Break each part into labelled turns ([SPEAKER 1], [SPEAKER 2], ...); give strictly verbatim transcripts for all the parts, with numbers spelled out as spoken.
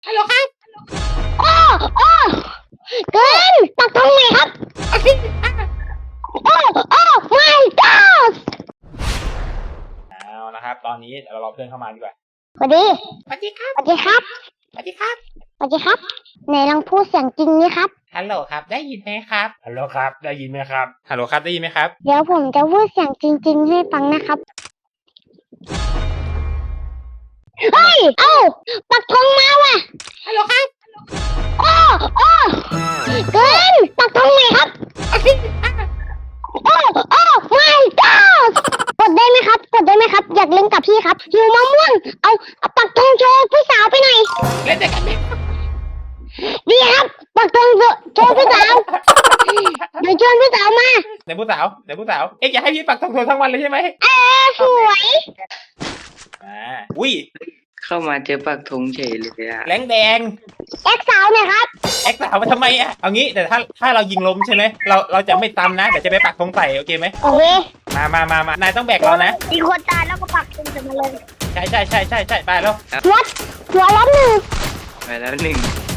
[SPEAKER 1] ฮัลโหลครับ
[SPEAKER 2] โอ้โอ้เกินปักตรงไหนครับ
[SPEAKER 1] โอเค
[SPEAKER 2] โอ้โอ้ my god
[SPEAKER 1] เอานะครับตอนนี้เรารอเพื่อนเข้ามาดีกว่า
[SPEAKER 2] สวัสดี
[SPEAKER 1] สวัสดีครับ
[SPEAKER 2] สวัสดีครับ
[SPEAKER 1] สวัสดีครับ
[SPEAKER 2] สวัสดีครับไหนลองพูดเสียงจริงนี่ครับ
[SPEAKER 1] ฮัลโหลครับได้ยินไหมครับฮัลโหลครับได้ยินไหมครับฮัลโหลครับได้ยินไหมครับ
[SPEAKER 2] เดี๋ยวผมจะพูดเสียงจริงๆให้ฟังนะครับเฮ้ยเอ้าปักธงมาว่ะ
[SPEAKER 1] ฮัลโหลครับ
[SPEAKER 2] โอ้โอ้เกินปักธงไหนครับ
[SPEAKER 1] โอเค
[SPEAKER 2] โอ้โอ้ my god กดได้ไหมครับกดได้ไหมครับอยากเล่นกับพี่ครับหิวมะม่วงเอาเอาปักธงโชว์ผู้สาวไปหน่อย
[SPEAKER 1] เล่นได้กันไหม
[SPEAKER 2] ดีครับปักธงโชว์ผู้สาวเดี๋ยวชวนผู้สาวมา
[SPEAKER 1] เดี๋ยวผู้สาวเดี๋ยวผู้สาวเอ๊ะอยากให้พี่ปักธงโชว์ทั้งวันเลยใช่ไหม
[SPEAKER 2] เออสวย
[SPEAKER 1] อ่าอุ้ย
[SPEAKER 3] เข้ามาเจอปักธงเฉยเลยอะ
[SPEAKER 1] แรงแดง
[SPEAKER 2] แอ็กสาวหน่อยครับ
[SPEAKER 1] แอ็กสาวมาทำไมอ่ะเอางี้แต่ถ้าถ้าเรายิงล้มใช่ไหมเราเราจะไม่ตำนะเดี๋ยวจะไปปักธงใส่โอเคไหม
[SPEAKER 2] โอเค
[SPEAKER 1] มามามามานายต้องแบกเรานะ
[SPEAKER 2] มีคนตายแล้วก็ปักธงใส่มาเลย
[SPEAKER 1] ใช่ใช่ใช่ใช่ใช่ไปแล้ว
[SPEAKER 2] หัวหัวล้มหนึ่ง
[SPEAKER 3] ไปแล้วหนึ่ง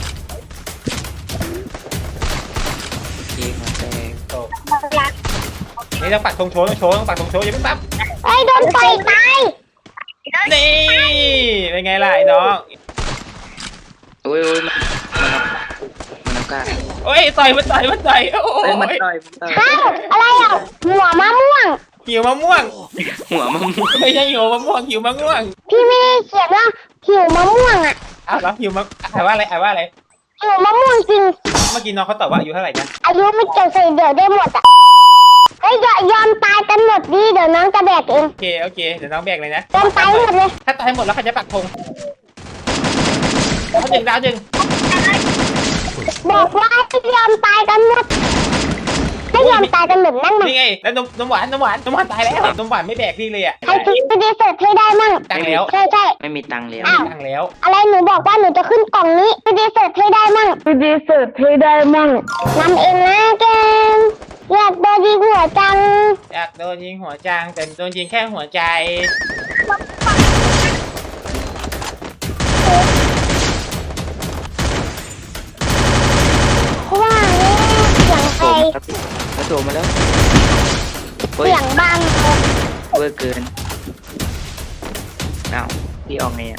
[SPEAKER 3] เก่งมาแตก
[SPEAKER 1] โตนี่ต้องปักธงโชว์ต้องโชว์ต้องปักธงโชว์อย่าเพิ่งปั๊บ
[SPEAKER 2] ไอ้โดนไฟตาย
[SPEAKER 1] นี่เป็นไงล่ะไอ้น้อง
[SPEAKER 3] โอ้ยโอ้ยมันมันเอาการ
[SPEAKER 1] โอ้ยต่อยมันต่อยมันต่อยโอ้ย
[SPEAKER 3] มันต่อยมันต่อย
[SPEAKER 2] อ้าวอะไรอ่ะหัวมะม่วง
[SPEAKER 1] หิวมะม่วง
[SPEAKER 3] หัวมะม่วง
[SPEAKER 1] ไม่ใช่หิวมะม่วงหิวมะม่วง
[SPEAKER 2] พี่ไม่ได้เขียนว่าหิวมะม่วงอ่ะ
[SPEAKER 1] อ้าวแล้วหิวมะอ่านว่าอะไรอ่านว่าอะไร
[SPEAKER 2] หิวมะม่วงจริง
[SPEAKER 1] เมื่อกี้น้องเขาตอบว่าอายุเท่าไหร่นะ
[SPEAKER 2] อายุไม่เกี่ยวใส่เดี๋ยวได้หมดอ่ะเฮ้ยยอมตายกันหมดดิเดี๋ยวน้องจะแบกเอง
[SPEAKER 1] โอเคโอเคเดี๋ยวน้องแบกเลยนะ
[SPEAKER 2] ยอมตายหมดเลย
[SPEAKER 1] ถ้าตายหมดแล้วใครจะปักธงดาวหนึ่งดาวหนึ่ง
[SPEAKER 2] บอกว่าให้ยอมตายกันหมดให้ยอมตายกันหมดนั่งมัน
[SPEAKER 1] นี่ไงแล้วนมนมหวานนมหวานนมหวานตายแล้วนมหวานไม่แบกพี่เลยอ่ะ
[SPEAKER 2] ใครคิดจะดีเสิร์ฟให้ได้มั่ง
[SPEAKER 1] ตังแล้ว
[SPEAKER 2] ใช่ใช่
[SPEAKER 3] ไม่มีตังแล้ว
[SPEAKER 1] ตังแล้ว
[SPEAKER 2] อะไรหนูบอกว่าหนูจะขึ้นกล่องนี้จะดีเสิร์ฟให้ได้มั่งจะดีเสิร์ฟให้ได้มั่งนำเองนะแกมอยากโดนยิงหัวจัง
[SPEAKER 1] อยากโดนยิงหัวจังแต่โดนยิงแค่หัวใจ
[SPEAKER 2] ว่าเสียงใคร
[SPEAKER 3] มาโผล่มาแล้ว
[SPEAKER 2] เสียงบัง
[SPEAKER 3] เวอร์เกินอ้าวพี่ออกไงอ่ะ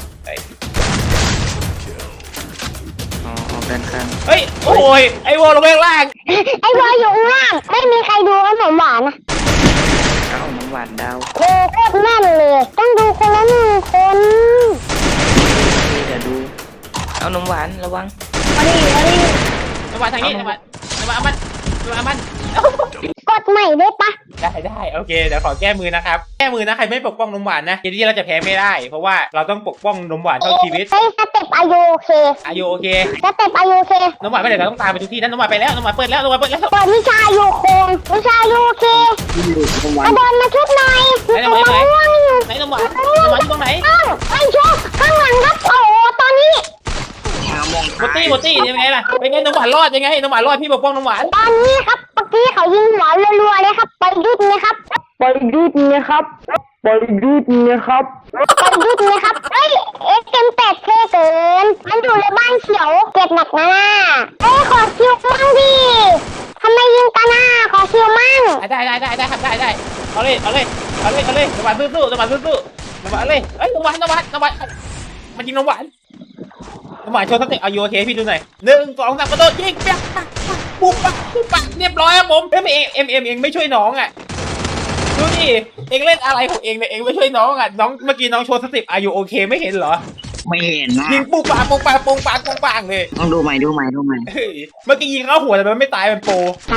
[SPEAKER 3] อ๋อออกด้านข้าง
[SPEAKER 1] เฮ้ยโอ้ยไอวอลลงไปข้างล่าง
[SPEAKER 2] ไอวอลอยู่ข้างล่างไม่มีใครดูขนมหวานนะ
[SPEAKER 3] เอ้าน้ำหวานดาว
[SPEAKER 2] โอ้โคตรแม่นเลยต้องดูคนละหนึ่งคน
[SPEAKER 3] เดี๋ยวดูเอาน้ำหวานระวัง
[SPEAKER 2] มาดิมาดิ
[SPEAKER 1] น้ำหวานทางนี้น้ำหวานน้ำหวานมันน้ำหวานมัน
[SPEAKER 2] กดใหม่ได้ปะ
[SPEAKER 1] ได้ได้โอเคเดี๋ยวขอแก้มือนะครับแก้มือนะใครไม่ปกป้องนมหวานนะเกมที่เราจะแพ้ไม่ได้เพราะว่าเราต้องปกป้องนมหวานเท่าชีวิต
[SPEAKER 2] เฮ้ยสเต็ปอายุโอเค
[SPEAKER 1] อายุโอเค
[SPEAKER 2] สเต็ปอายุโอเคน
[SPEAKER 1] มหวานไม่ได้เราต้องตามไปทุกที่นั่นนมหวานไปแล้วนมหวานเปิดแล้วนมหวานเปิดแล้ว
[SPEAKER 2] เปิดวิชาอายุโคงวิชาอายุโอเคมาเดินมาชุบหน่อย
[SPEAKER 1] ไหนนมหวานไหนนมหวานนมหวานอยู่ตรงไหน
[SPEAKER 2] ไอ้ชุบข้างหลังครับโอ้ตอนนี้
[SPEAKER 1] หมดตี้หมดตี้ยังไงล่ะเป็นไงนมหวานรอดยังไงนมหวานรอดพี่ปกป้องนมหวาน
[SPEAKER 2] ตอนนี้ครับเมื่อกี้เขายิงหัวรัวๆเลยครับไปยุดนะครับไปยุดนะครับไปยุดนะครับไปยุดนะครับเฮ้ยเอ็กเอ็มแปดเท่เกินมันอยู่ในบ้านเขียวเก็บหนักนะเอ้ยขอคิวมั่งดิทำไมยิงกันอ่ะขอคิวมั่ง
[SPEAKER 1] ได้ได้ได้ได้ครับได้ได้เอาเลยเอาเลยเอาเลยเอาเลยนมหวานสู้ๆนมหวานสู้ๆนมหวานเลยเอ้ยนมหวานนมหวานนมหวานมันยิงนมหวานนมหวานโชว์สเต็ปเอาโอเคพี่ดูหน่อยหนึ่งสองสามกระโดดยิงเปียกปุ๊บปักปุ๊บปักเรียบร้อยครับผมเฮ้ยเอ็มเอ็มเอ็มไม่ช่วยน้องอ่ะดูดิเอ็งเล่นอะไรของเอ็งเนี่ยเอ็งไม่ช่วยน้องอ่ะน้องเมื่อกี้น้องโชว์สเต็ปอายุโอเคไม่เห็นเหรอ
[SPEAKER 3] ไม่เห็นนะ
[SPEAKER 1] ยิงปุ๊บปักปุ๊บปักปุ๊บปักปุ๊บปักเลย
[SPEAKER 3] ต้องดูใหม่ดูใหม่ดูใหม่
[SPEAKER 1] เมื่อกี้ยิงเข้าหัวแต่มันไม่ตายมันโป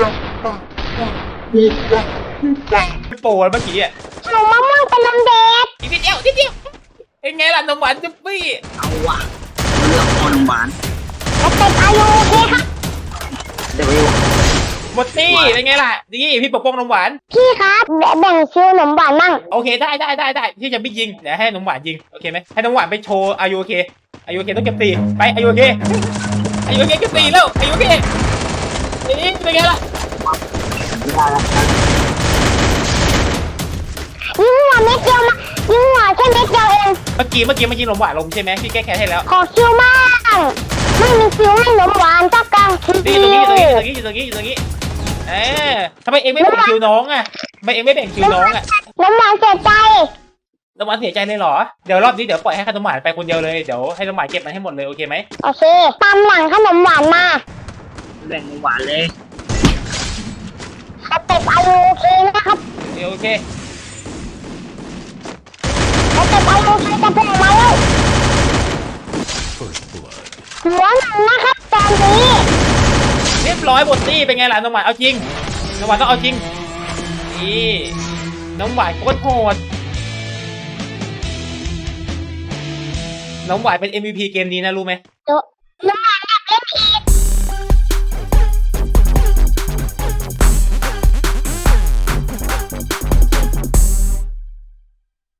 [SPEAKER 1] โปเมื่อกี้อ่ะ
[SPEAKER 2] หนูมะม่วงเป็นนมเด็ก
[SPEAKER 1] อีกนิดเดียวนิดเดียวเอ็งไงล่ะนมหวานจุ๊บปี้
[SPEAKER 3] เอาว่ะเลือกคนหวาน
[SPEAKER 2] สเต็ปอายุโอเคครับ
[SPEAKER 3] เดี๋ยวอยู่
[SPEAKER 1] หมดตี้เป็นไงล่ะนี่พี่ปกป้องนมหวาน
[SPEAKER 2] พี่ครับแบ่งคิวนมหวานมั่ง
[SPEAKER 1] โอเคได้ได้ได้ได้ที่จะไม่ยิงเดี๋ยวให้นมหวานยิงโอเคไหมให้นมหวานไปโชว์อายุโอเคอายุโอเคต้องเก็บตีไปอายุโอเคอายุโอเคเก็บตีแล้วอายุโอเคนี่เป็นไงล่ะ
[SPEAKER 2] ยิงหัวเม็ดเดียวมายิงหัวแค่เม็ดเดียวเอง
[SPEAKER 1] เมื่อกี้เมื่อกี้มันยิงนมหวานลงใช่ไหมพี่แก้แค้นให้แล้ว
[SPEAKER 2] ขอคิวมากางไม่มีคิวให้หนมหวานสักกลางที
[SPEAKER 1] นี่
[SPEAKER 2] เดี
[SPEAKER 1] ตรง
[SPEAKER 2] ย
[SPEAKER 1] นี้
[SPEAKER 2] ว
[SPEAKER 1] ตรงนี้อยู่ตรงนี้อยู่ตรงนี้อยู่ตรงนี้เออทำไมเองไม่แบ่งคิวน้องอ่ะทำไมเองไม่แบ่งคิวน้องอ่ะ
[SPEAKER 2] หนมหวานเสียใจ
[SPEAKER 1] น้ำหวานเสียใจเลยเหรอเดี๋ยวรอบนี้เดี๋ยวปล่อยให้ขนมหวานไปคนเดียวเลยเดี๋ยวให้น้ำหวานเก็บมันให้หมดเลยโอเคไหม
[SPEAKER 2] โอเคตามหลังขนมหวานมา
[SPEAKER 3] แบ่งหวานเลย
[SPEAKER 2] สเต็ปอายุโอเคนะครับ
[SPEAKER 1] โอเคโอเค
[SPEAKER 2] สเต็ปอายุโอเคจะพุ่งมาแล้วหัวหนังนะครับตอนนี้
[SPEAKER 1] เรียบร้อยหมดตี้เป็นไงล่ะน้ำหวานเอาจริงน้ำหวานต้องเอาจริงนี่น้ำหวานโคตรโหดน้ำหวานเป็น เอ็ม วี พี เกมนี้นะรู้ไหม
[SPEAKER 2] เดี๋ยวน้ำหวาน